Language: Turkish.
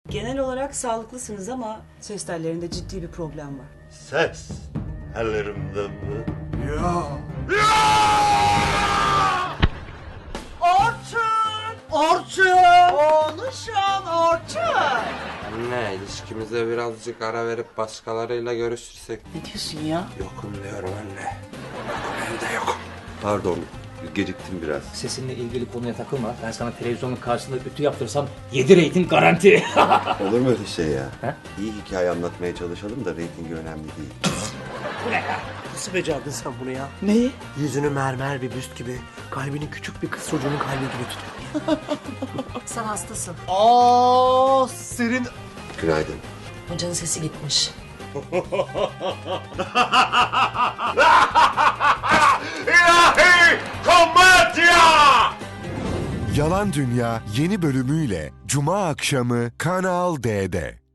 Genel olarak sağlıklısınız ama ses tellerinde ciddi bir problem var. Ses ellerimde mi? Anne, ilişkimize birazcık ara verip başkalarıyla görüşürsek. Ne diyorsun ya? Yokum diyorum anne. Yokum, evde yokum. Pardon, geciktim biraz. Sesinle ilgili konuya takılma. Ben sana televizyonun karşısında ütü yaptırsam 7 reyting garanti. Olur mu öyle şey ya? He? İyi hikaye anlatmaya çalışalım da reytingi önemli değil. Nasıl becerdin sen bunu ya? Neyi? Yüzünü mermer bir büst gibi, kalbini küçük bir kız çocuğunun kalbi gibi tutuyor. Sen hastasın. Senin... Günaydın. Hocanın sesi gitmiş. İlahi komedya! Yalan Dünya yeni bölümüyle Cuma akşamı Kanal D'de.